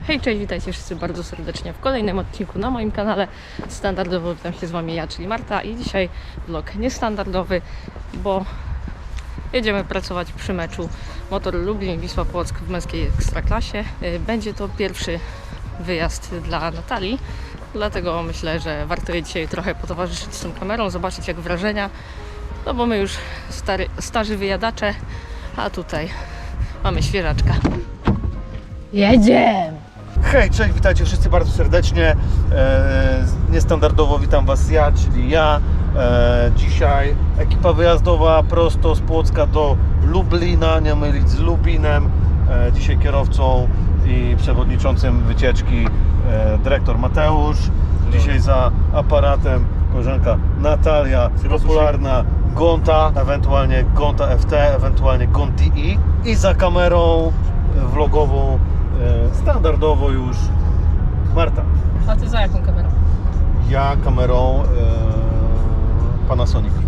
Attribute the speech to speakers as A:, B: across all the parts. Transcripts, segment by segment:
A: Hej, cześć, witajcie wszyscy bardzo serdecznie w kolejnym odcinku na moim kanale. Standardowo witam się z Wami ja, czyli Marta, i dzisiaj vlog niestandardowy, bo jedziemy pracować przy meczu Motor Lublin Wisła Płock w męskiej ekstraklasie. Będzie to pierwszy wyjazd dla Natalii, dlatego myślę, że warto jej dzisiaj trochę potowarzyszyć z tą kamerą, zobaczyć jak wrażenia, no bo my już starzy wyjadacze, a tutaj mamy świeżaczka. Jedziemy!
B: Hej, cześć, witajcie wszyscy bardzo serdecznie. Niestandardowo witam Was ja, czyli ja. Dzisiaj ekipa wyjazdowa prosto z Płocka do Lublina, nie mylić z Lubinem. Dzisiaj kierowcą i przewodniczącym wycieczki dyrektor Mateusz. Dzisiaj za aparatem koleżanka Natalia, popularna Gonta, ewentualnie Gonta FT, ewentualnie Gonti i za kamerą vlogową standardowo już Marta.
A: A Ty za jaką kamerą?
B: Ja kamerą Panasonic.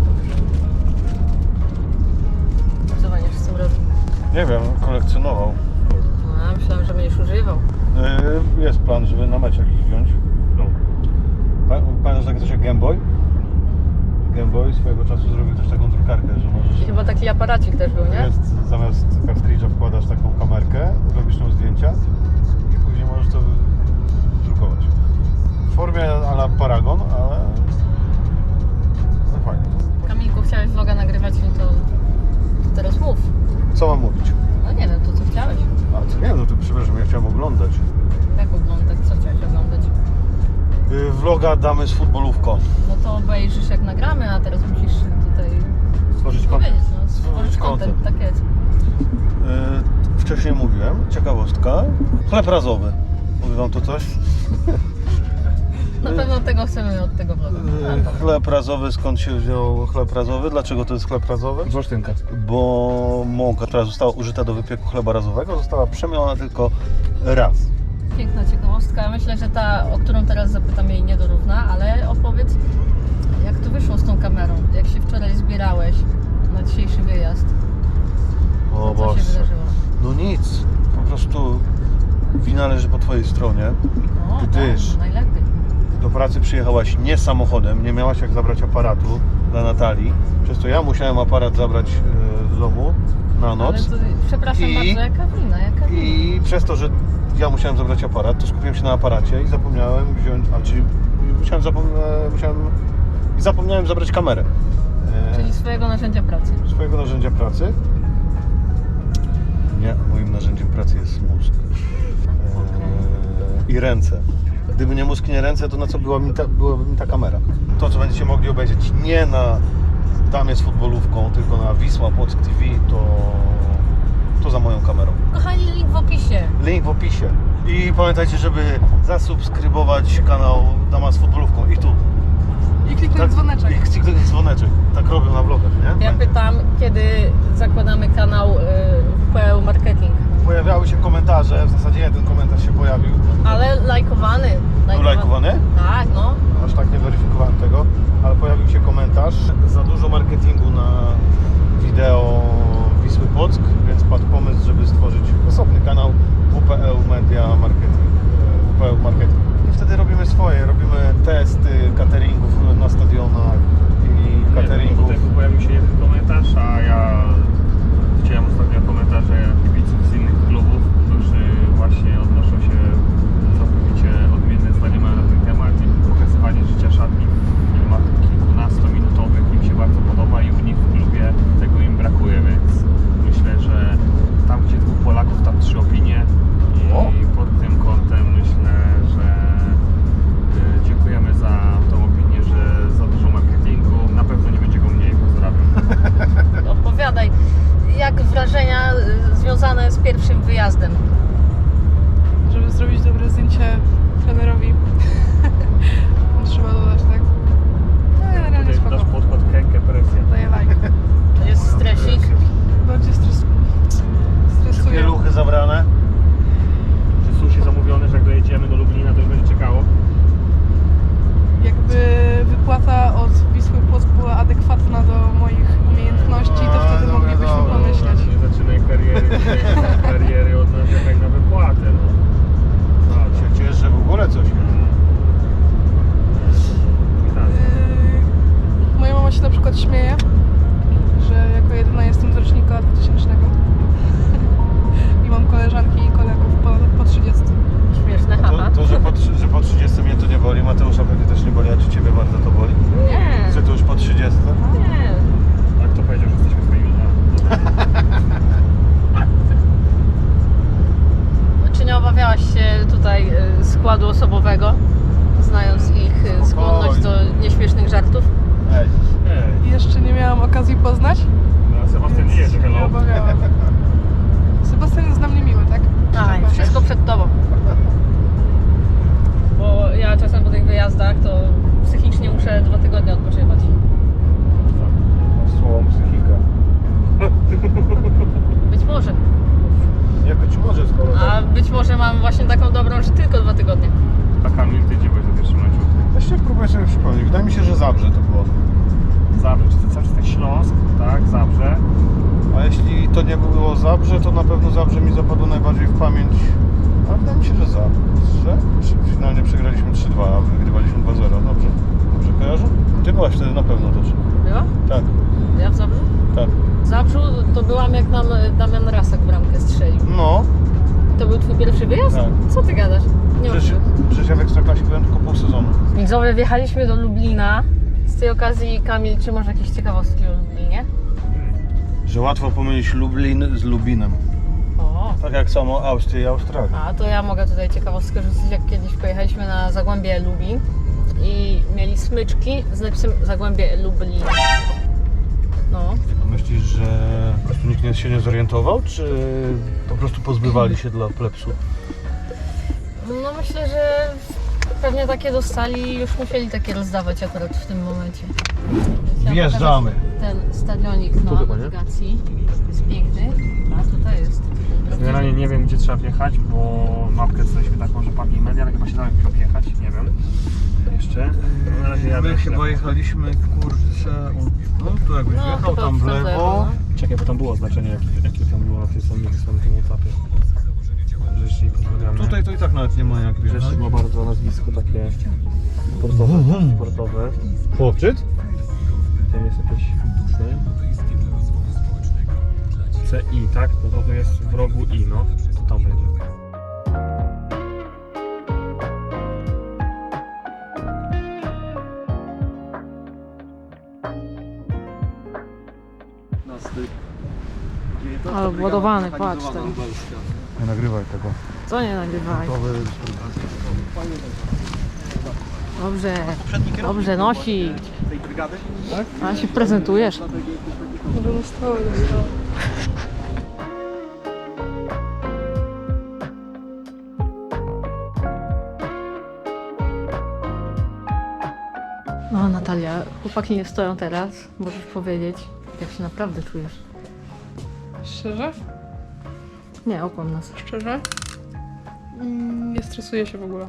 A: Co będziesz z tym robił?
B: Nie wiem, kolekcjonował.
A: A, myślałem, że będziesz używał.
B: Jest plan, żeby na mecz jakiś wziąć. No. Pamiętasz takie coś jak Game Boy? Game Boy swojego czasu zrobił też taką drukarkę, że możesz...
A: I chyba taki aparacik też był, nie?
B: Jest, zamiast kartridża wkładasz taką kamerkę, robisz tam zdjęcia i później możesz to drukować. W formie a la Paragon, ale no fajnie.
A: Kamilku, chciałeś vloga nagrywać, no to teraz mów.
B: Co mam mówić?
A: No nie wiem, to co chciałeś?
B: A co nie, no to przepraszam, ja chciałem oglądać.
A: Jak oglądać? Co chciałeś oglądać?
B: Vloga damy z futbolówką.
A: No to obejrzysz jak nagramy, a teraz musisz tutaj
B: Stworzyć
A: powiedzieć,
B: content.
A: no, stworzyć content, tak jest.
B: Wcześniej mówiłem, ciekawostka. Chleb razowy. Mówi Wam to coś?
A: Na pewno tego chcemy od tego vloga.
B: Chleb razowy, skąd się wziął chleb razowy? Dlaczego to jest chleb razowy?
C: Z Olsztynka.
B: Bo mąka, która została użyta do wypieku chleba razowego, została przemielona tylko raz.
A: Piękna ciekawostka. Myślę, że ta, o którą teraz zapytam, jej nie dorówna, ale opowiedz, jak to wyszło z tą kamerą? Jak się wczoraj zbierałeś na dzisiejszy wyjazd?
B: O
A: Co się wydarzyło?
B: No nic, po prostu wina leży po Twojej stronie,
A: No,
B: gdyż
A: tak, najlepiej.
B: do pracy przyjechałaś nie samochodem, nie miałaś jak zabrać aparatu dla Natalii, przez to ja musiałem aparat zabrać z domu na noc.
A: Ale to, przepraszam
B: I-
A: bardzo, jaka wina?
B: I przez to, że ja musiałem zabrać aparat, to skupiłem się na aparacie i zapomniałem wziąć, zapomniałem zabrać kamerę.
A: Czyli swojego narzędzia pracy.
B: Swojego narzędzia pracy. Nie, moim narzędziem pracy jest mózg. I ręce. Gdyby nie mózg, nie ręce, to na co byłaby mi ta kamera? To, co będziecie mogli obejrzeć nie na Damie z futbolówką, tylko na Wisła Płock TV, to za moją kamerą.
A: Kochani, link w opisie.
B: Link w opisie. I pamiętajcie, żeby zasubskrybować kanał Dama z futbolówką. I tu.
C: I kliknąć dzwoneczek.
B: I kliknąć dzwoneczek. Tak robią na vlogach, nie?
A: Ja pytam, kiedy zakładamy kanał WPL Marketing.
B: Pojawiały się komentarze, w zasadzie jeden komentarz się pojawił.
A: Ale lajkowany.
B: Był lajkowany?
A: Tak, no.
B: Aż tak nie weryfikowałem tego, ale pojawił się komentarz. Za dużo marketingu na wideo Wisły Płock, więc padł pomysł, żeby stworzyć osobny kanał WPL Media Marketing. WPL Marketing. I wtedy robimy swoje, robimy testy cateringów na stadionach i cateringów.
C: Tutaj pojawił się jeden komentarz, a ja chciałem ostatnio komentarze kibiców z innych klubów, którzy właśnie odnoszą się całkowicie odmienne zdania mają na ten temat i pokazywanie życia szatni filmach kilkunastominutowych im się bardzo podoba i u nich w klubie tego im brakuje, więc myślę, że tam gdzie dwóch Polaków, tam trzy opinie i pod tym kątem myślę, że dziękujemy za
A: się tutaj składu osobowego, znając ich skłonność do nieśmiesznych żartów.
B: Ej.
C: Ej,
D: Jeszcze nie miałam okazji poznać.
C: no, Sebastian nie jedzie,
D: się nie
C: hello.
D: obawiałam. Sebastian jest dla mnie miły, tak?
A: A, wszystko przed tobą. Bo ja czasem po tych wyjazdach to psychicznie muszę 2 tygodnie odpoczywać.
B: Słową psychika.
A: Być może.
B: Nie być może, skoro
A: A być może mam właśnie taką dobrą, że tylko 2 tygodnie.
C: A Kamil, ty gdzie byłeś na pierwszym meczu?
B: Właściwie próbuję sobie przypomnieć. Wydaje mi się, że Zabrze to było.
C: Zabrze, czy to cały czas ten Śląsk, tak, Zabrze.
B: A jeśli to nie było Zabrze, to na pewno Zabrze mi zapadło najbardziej w pamięć. A wydaje mi się, że Zabrze. Finalnie przegraliśmy 3-2, a wygrywaliśmy 2-0. Dobrze? Dobrze kojarzę? Ty byłaś wtedy na pewno też.
A: Była?
B: Tak,
A: Ja w Zabrzu?
B: tak.
A: W Zabrzu to byłam, jak nam Damian Rasak bramkę strzelił.
B: No,
A: To był twój pierwszy wyjazd?
B: Tak.
A: Co ty gadasz? Nie
B: przecież ja w Ekstraklasie byłem tylko pół sezonu.
A: Widzowie, wjechaliśmy do Lublina. Z tej okazji, Kamil, czy masz jakieś ciekawostki o Lublinie?
B: Że łatwo pomylić Lublin z Lubinem.
A: O,
B: Tak jak samo Austrię i Australię.
A: a to ja mogę tutaj ciekawostkę rzucić, jak kiedyś pojechaliśmy na Zagłębie Lubin i mieli smyczki z napisem Zagłębie Lublin. No,
B: A myślisz, że po prostu nikt się nie zorientował, czy po prostu pozbywali się dla plepsu?
A: no myślę, że pewnie takie dostali i już musieli takie rozdawać akurat w tym momencie. Chciałam
B: Wjeżdżamy.
A: pokazać ten stadionik na
C: chyba, nie?
A: nawigacji. Jest piękny, a tutaj jest.
C: Generalnie nie wiem, gdzie trzeba wjechać, bo mapkę dostaliśmy taką, że parking media, ale chyba się da jak objechać, nie wiem. Jeszcze. No, na razie jadę.
B: My chyba jechaliśmy, kurczę, no tu jakbyś
A: No,
B: wjechał
A: chyba
B: tam w lewo.
C: Czekaj, bo tam było oznaczenie, jakie tam było na tej samej etapie. Że jeszcze nie pozdrawiamy.
B: Tutaj to i tak nawet nie ma jak
C: Że
B: wjechać.
C: jeszcze było bardzo nazwisko takie sportowe.
B: Chłopczyc?
C: Tam jest jakieś CI, tak? No to jest w rogu I, no. To tam będzie.
A: Ale władowany, patrz ten.
B: Nie nagrywaj tego.
A: Co nie nagrywaj? Dobrze, dobrze nosi.
B: Tak?
A: A się prezentujesz.
D: Może na stałe zostało.
A: No Natalia, chłopaki nie stoją teraz. Możesz powiedzieć, jak się naprawdę czujesz.
D: Szczerze?
A: Nie, okłam nas.
D: Szczerze? Nie stresuję się w ogóle.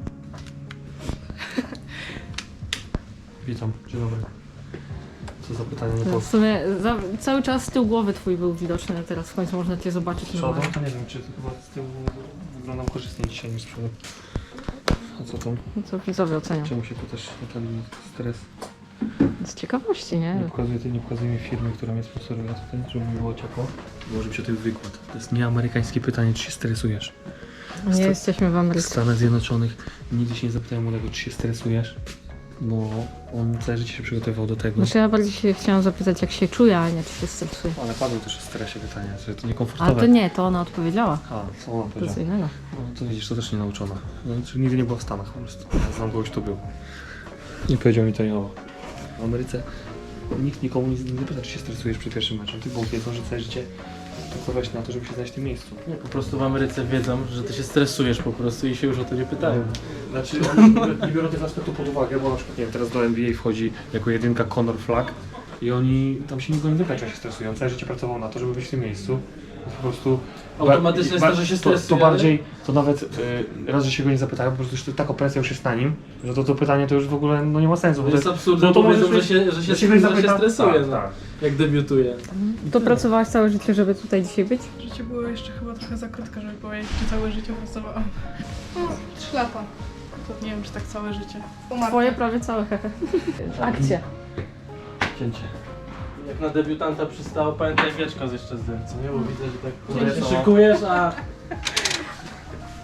C: Witam, dzień dobry. Co za pytanie nie
A: W sumie cały czas tył głowy twój był widoczny, a teraz w końcu można cię zobaczyć
C: przodu,
A: normalnie.
C: to nie wiem, czy to chyba z tyłu wyglądam korzystnie dzisiaj niż z przodu. A co tam?
A: No co widzowie ocenią.
C: Czemu się tu też Natalii stres?
A: Z ciekawości, nie?
C: Nie pokazuje mi firmy, która mnie sponsoruje tutaj, żeby mi było ciepło. Może być o tym wykład. To jest nieamerykańskie pytanie, czy się stresujesz.
A: Nie jesteśmy w
C: W
A: Ameryce.
C: Stanach Zjednoczonych nigdy się nie zapytałem o tego, czy się stresujesz, bo on całe życie się przygotowywał do tego.
A: Znaczy ja bardziej się chciałam zapytać, jak się czuje, a nie czy się stresuje.
C: Ale padło też o stresie pytanie, że to
A: Ale
C: niekomfortowe.
A: to nie, to ona odpowiedziała.
C: A, co ona
A: To
C: powiedziała?
A: co innego.
C: No to widzisz, to też nie nauczona. Znaczy, nigdy nie była w Stanach po prostu. Ja znam kogoś, kto był. Nie powiedział mi to nie o. W Ameryce nikt nikomu nie pyta, czy się stresujesz przed pierwszym meczem. Ty, bo wiedzą, że całe życie pracowałeś na to, żeby się znaleźć w tym miejscu.
E: Nie, po prostu w Ameryce wiedzą, że ty się stresujesz po prostu i się już o to nie pytają.
C: Znaczy, oni nie biorą tego aspektu pod uwagę, bo na przykład, nie wiem, teraz do NBA wchodzi jako jedynka Conor Flack i oni tam się nikogo nie pyta, czy się stresują. Całe życie pracował na to, żeby być w tym miejscu. Po prostu
E: Automatycznie jest to, że się stresuje,
C: To bardziej, to nawet raz, że się go nie zapytają, po prostu już taka presja już jest na nim, że to pytanie to już w ogóle no, nie ma sensu.
E: To
C: bo
E: jest absurdne,
C: no to
E: bo wiedzą,
C: możesz
E: że
C: mieć-
E: się
C: że się ktoś zapyta-
E: stresuje,
C: tak,
E: no,
C: tak.
E: jak debiutuje.
A: To pracowałaś całe życie, żeby tutaj dzisiaj być?
D: Życie było jeszcze chyba trochę za krótko, żeby powiedzieć, że całe życie pracowałam. No, 3 lata. To nie wiem, czy tak całe życie.
A: Twoje prawie całe. Akcja.
E: Cięcie. Jak na debiutanta przystało, pamiętaj wieczko jeszcze zdjąć, co nie? Bo widzę, że tak
C: Cięcie.
E: się szykujesz, a...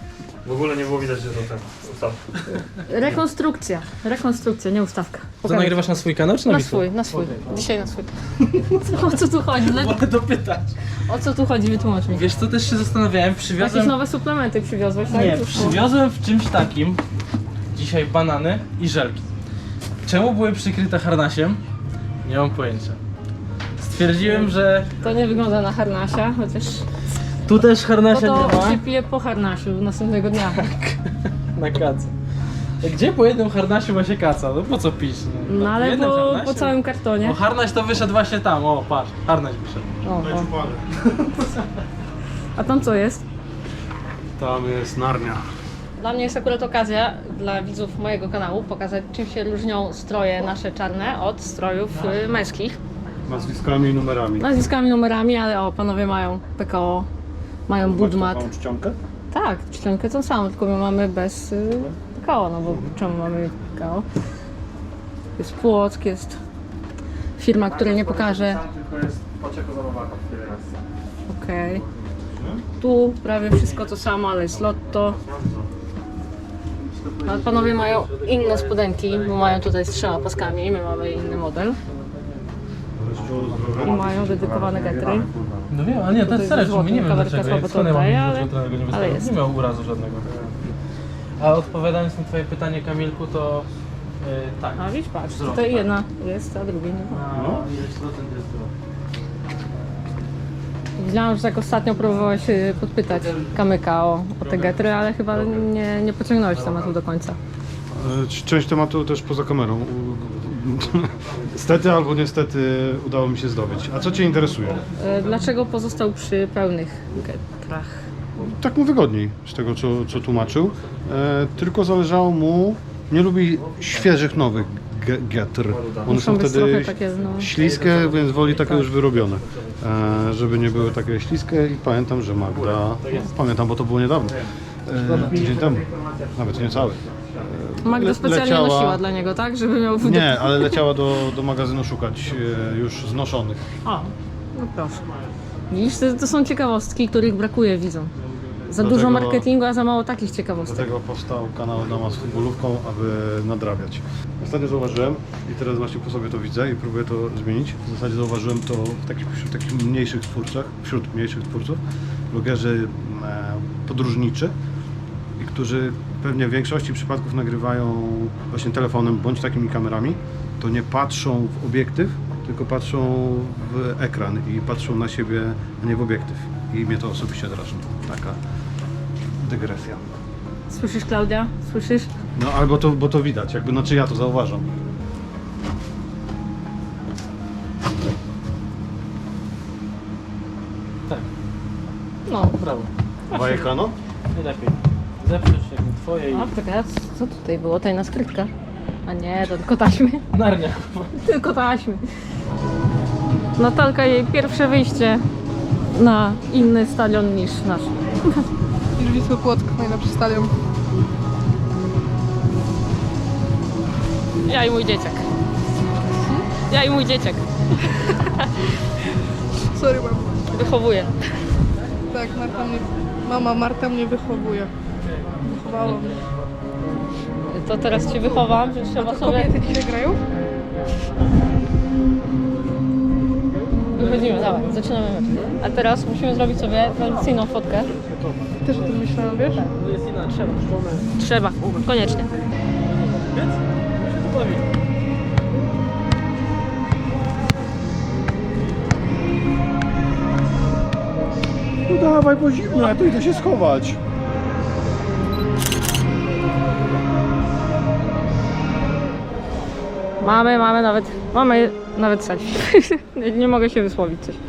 C: W ogóle nie było widać, że to ten ustaw.
A: Rekonstrukcja, nie ustawka.
E: To
A: Pokażę.
E: nagrywasz na swój kanał czy na
A: Na
E: Wisłę?
A: swój, na swój. Dzisiaj na swój. O co tu chodzi?
E: Mogę dopytać.
A: O co tu chodzi? Wytłumacz mi.
E: Wiesz co, też się zastanawiałem,
A: Jakieś
E: przywiozłem...
A: nowe suplementy przywiozłeś, tak?
E: Nie,
A: Już po-
E: przywiozłem w czymś takim dzisiaj banany i żelki. Czemu były przykryte harnasiem? Nie mam pojęcia. Stwierdziłem, że
A: To nie wygląda na harnasia, chociaż...
E: tu też
A: Bo
E: harnasia nie
A: to
E: ma.
A: się pije po harnasiu następnego dnia.
E: Na kaca. Gdzie po jednym harnasiu ma się kaca? No po co pić?
A: No
E: po
A: ale
E: jednym
A: po
E: harnasie?
A: całym kartonie.
E: O, harnaś to wyszedł właśnie tam, o patrz, harnaś wyszedł.
A: O. A tam co jest?
B: Tam jest Narnia.
A: Dla mnie jest akurat okazja, dla widzów mojego kanału, pokazać czym się różnią stroje nasze czarne od strojów męskich.
B: Nazwiskami i numerami.
A: Nazwiskami, numerami, ale o, panowie mają PKO, mają budżmat.
B: Taką czcionkę?
A: Tak, czcionkę tą samą, tylko my mamy bez PKO, no bo czemu mamy PKO? Jest Płock, jest firma, której nie pokażę.
C: Tylko jest Paczeko Zabawaka w tyle raz.
A: Okej. Tu prawie wszystko to samo, ale jest Lotto. Ale panowie mają inne spodenki, bo mają tutaj z 3 paskami, my mamy inny model. I mają dedykowane getry.
E: No wiem, ale nie, to jest
A: Tutaj
E: serio,
A: ze
E: my nie wiem
A: złotym,
E: dlaczego,
A: kamerka
E: jak
A: słabo
E: skąd ja mam
A: to
E: wiedzieć,
A: oddaje,
E: że trener go nie
A: ale
E: wystawił?
A: jest.
E: Nie miał urazu żadnego. A odpowiadając na twoje pytanie, Kamilku, to tak.
A: A widzisz, patrz,
E: Wzrok,
A: tutaj
E: tak.
A: jedna jest, a drugiej nie ma.
E: No, ile procent jest było?
A: Widziałam, że tak ostatnio próbowałeś podpytać Kamyka o te getry, ale chyba nie pociągnąłeś tematu do końca.
B: Część tematu też poza kamerą. Stety albo niestety udało mi się zdobyć. A co Cię interesuje?
A: Dlaczego pozostał przy pełnych getrach?
B: Tak mu wygodniej z tego, co tłumaczył. Tylko zależało mu... Nie lubi świeżych, nowych getr. One
A: Muszą
B: są
A: być
B: wtedy
A: trochę takie, no,
B: śliskie, więc woli takie
A: tak.
B: już wyrobione. Żeby nie były takie śliskie i pamiętam, że Magda... Pamiętam, bo to było niedawno. Tydzień temu. Nawet nie cały.
A: Magda specjalnie
B: leciała-
A: nosiła dla niego, tak? Żeby miał w
B: Nie, ale leciała do magazynu szukać już znoszonych.
A: O, no proszę. Widzisz, to są ciekawostki, których brakuje widzom. Za
B: Dlatego-
A: dużo marketingu, a za mało takich ciekawostek.
B: Dlatego powstał kanał Dama z futbolówką, aby nadrabiać. Ostatnio zauważyłem i teraz właśnie po sobie to widzę i próbuję to zmienić. W zasadzie zauważyłem to wśród takich mniejszych twórców, blogerzy podróżniczy, i którzy pewnie w większości przypadków nagrywają właśnie telefonem bądź takimi kamerami, to nie patrzą w obiektyw, tylko patrzą w ekran i patrzą na siebie, a nie w obiektyw. I mnie to osobiście drażni. Taka dygresja.
A: Słyszysz, Klaudia? Słyszysz?
B: No albo to, bo to widać, jakby, znaczy ja to zauważam.
E: Tak,
A: No.
E: brawo.
B: Dwa ekrano?
E: Najlepiej. Zeprzeć jak twoje i...
A: A, czekaj, a co tutaj było? Tajna skrytka? A nie, to tylko taśmy.
E: Narnia.
A: Tylko taśmy. Natalka, jej pierwsze wyjście na inny stadion niż nasz.
D: Niż Wisły Płock, najlepszy stadion.
A: Ja i mój dzieciak. Ja i mój dzieciak.
D: Sorry, mamo.
A: Wychowuję.
D: Tak, mama Marta mnie wychowuje. Wychowała mnie.
A: To teraz cię wychowam, że trzeba
D: To
A: sobie...
D: kobiety dzisiaj grają?
A: Wychodzimy, dawaj, zaczynamy mecz. A teraz musimy zrobić sobie tradycyjną fotkę.
D: Też o tym myślałam, wiesz?
E: To jest inna, trzeba.
A: Trzeba, koniecznie.
E: Więc? Się tu bawi.
B: No dawaj, bo zimno, ja tu idę się schować.
A: Mamy nawet selfie. Nie mogę się wysłowić coś.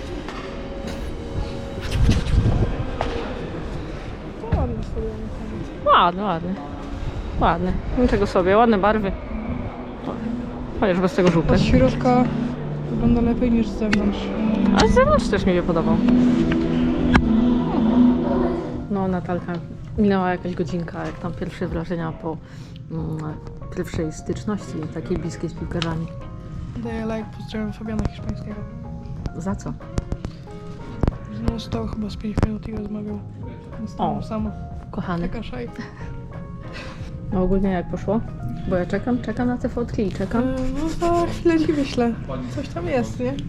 D: Ładnie sobie.
A: Ładny. Niczego sobie, ładne barwy. Chociaż bez tego żółte.
D: Od środka wygląda lepiej niż z zewnątrz.
A: A z zewnątrz też mi się podobał. No, Natalka, minęła jakaś godzinka, jak tam pierwsze wrażenia po pierwszej styczności takiej bliskiej z piłkarzami.
D: Daję like, pozdrawiam Fabiana Hiszpańskiego.
A: Za co?
D: No stał chyba z 5 minut i rozmawiał. Zostałem
A: O.
D: sama.
A: kochany.
D: Taka szaj.
A: No ogólnie jak poszło? Bo ja czekam na te fotki i czekam.
D: No za chwilę ci wyślę. Coś tam jest, nie?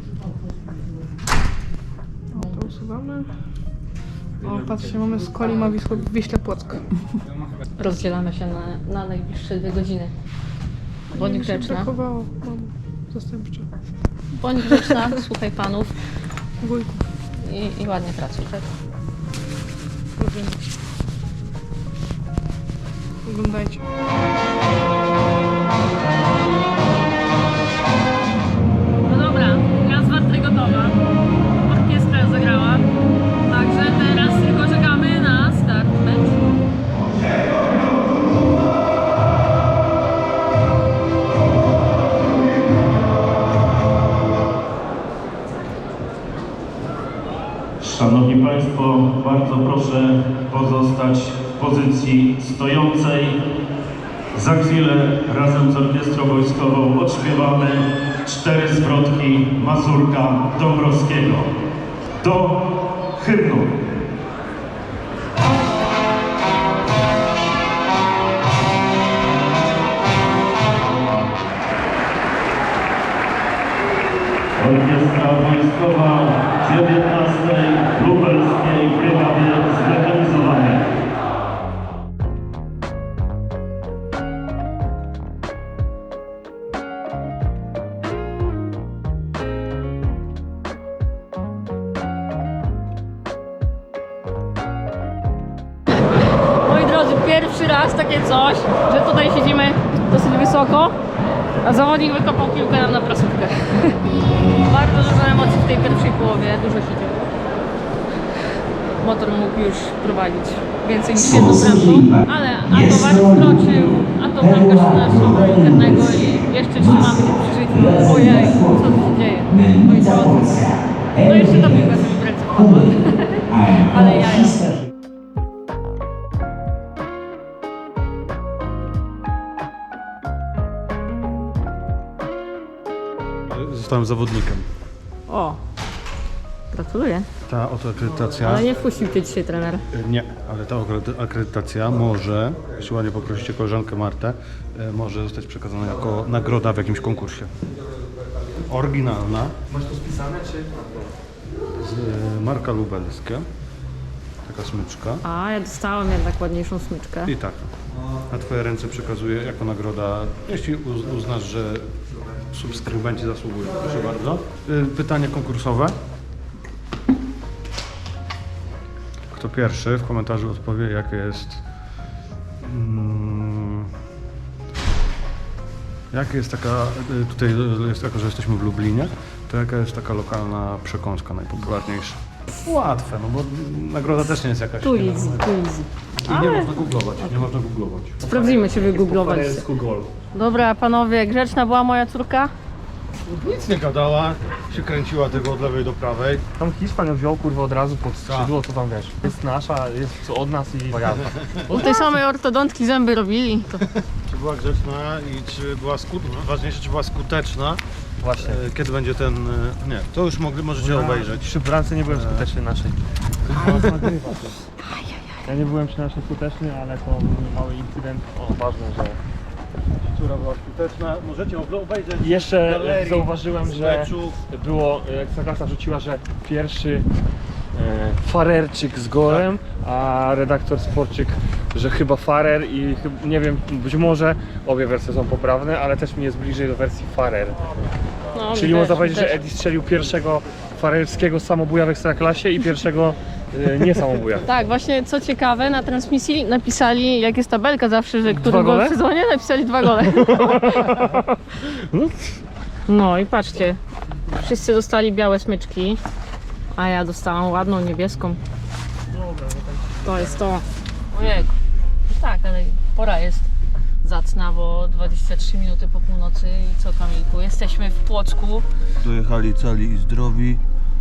D: O, to usuwamy. O, patrzcie, mamy z Kolima Wiśle Płock.
A: Rozdzielamy się na najbliższe 2 godziny. Bądź
D: Mi się
A: grzeczna.
D: brakowało. Mam zastępcze.
A: Bądź grzeczna, słuchaj panów
D: Wujku.
A: i ładnie pracuj, tak?
D: Proszę. Oglądajcie.
A: No dobra, raz warty gotowa. Orkiestra zagrała. Także teraz tylko czekamy na start meczu.
F: Szanowni Państwo, bardzo proszę pozostać w pozycji stojącej. Za chwilę razem z Orkiestrą Wojskową odśpiewamy 4 zwrotki Mazurka Dąbrowskiego do hymnu. Orkiestra Wojskowa 19. Lubelskiej Brygady Zmechanizowanej.
A: Moi drodzy, pierwszy raz takie coś, że tutaj siedzimy dosyć wysoko, a zawodnik wykopał piłkę nam na prasówkę. Bardzo dużo emocji w tej pierwszej połowie, dużo się działo. Motor mógł już prowadzić więcej niż jedną bramką, ale a to War wkroczył, a to bramkarz naszego karnego i jeszcze trzymamy się przy życiu. Ojej, co tu się dzieje? Moi drodzy. No jeszcze ta piłka sobie w ręce wpadła. Ale ja.
B: Zostałem zawodnikiem.
A: O, gratuluję.
B: Ta oto akredytacja.
A: Ale nie wpuścił cię dzisiaj trener.
B: Nie, ale ta akredytacja może, jeśli ładnie poprosicie koleżankę Martę, może zostać przekazana jako nagroda w jakimś konkursie. Oryginalna.
C: Masz to spisane, czy?
B: Marka lubelskie. Taka smyczka.
A: A, ja dostałam jednak ładniejszą smyczkę.
B: I tak. Na twoje ręce przekazuję jako nagroda, jeśli uznasz, że subskrybenci zasługują. Proszę bardzo. Pytanie konkursowe. Kto pierwszy w komentarzu odpowie, jakie jest... Jaka jest taka, tutaj jest jako, że jesteśmy w Lublinie, to jaka jest taka lokalna przekąska najpopularniejsza? Łatwe, no bo nagroda też nie jest jakaś...
A: Tu
B: nie,
A: easy, tu easy.
B: I nie można googlować, nie można googlować.
A: Sprawdzimy, czy wygooglować.
C: Google.
A: Dobra, panowie, grzeczna była moja córka?
B: Nic nie gadała, się kręciła tego od lewej do prawej.
C: Tam Hiszpan ją wziął kurwa od razu pod skrzydło, co tam wiesz. Jest nasza, jest od nas i jazda.
A: U tej samej ortodontki zęby robili. To...
B: Czy była grzeczna i czy była ważniejsze, czy była skuteczna?
C: Właśnie.
B: Kiedy będzie ten... Nie, to już możecie obejrzeć.
C: Przy bramce nie byłem skuteczny naszej. Ja nie byłem przy naszej skuteczny, ale to był mały incydent. O, ważne, że...
B: Która była skuteczna, możecie obejrzeć.
C: I jeszcze
B: galerii
C: zauważyłem,
B: z
C: że
B: meczów.
C: było, Ekstraklasa rzuciła, że pierwszy farerczyk z golem, a redaktor Sporczyk, że chyba farer i nie wiem, być może obie wersje są poprawne, ale też mi jest bliżej do wersji farer.
A: No,
C: Czyli
A: mi
C: można
A: też,
C: powiedzieć,
A: mi
C: że
A: też.
C: Eddie strzelił pierwszego farerskiego samobuja w Ekstraklasie i pierwszego nie samobuja.
A: Tak, właśnie co ciekawe, na transmisji napisali, jak jest tabelka zawsze, że który gol
C: gole?
A: w sezonie, napisali 2 gole. No i patrzcie, wszyscy dostali białe smyczki, a ja dostałam ładną niebieską. To jest to. Ojej. Tak, ale pora jest zacna, bo 23 minuty po północy i co, Kamilku? Jesteśmy w Płocku.
B: Dojechali cali i zdrowi.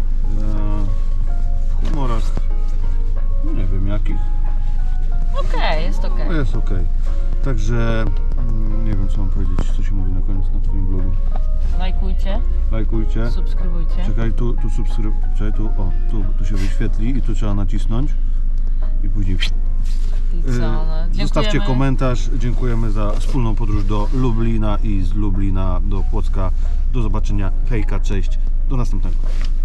B: W humorach, no nie wiem jakich,
A: Okej, jest okej.
B: no jest okej. Także nie wiem co mam powiedzieć, co się mówi na koniec na twoim blogu.
A: Lajkujcie,
B: Lajkujcie.
A: subskrybujcie.
B: Czekaj, tu subskrybuj, czekaj, tu się wyświetli i tu trzeba nacisnąć i później
A: I co, no,
B: Zostawcie
A: dziękujemy.
B: komentarz. Dziękujemy za wspólną podróż do Lublina i z Lublina do Płocka. Do zobaczenia. Hejka, cześć. Do następnego.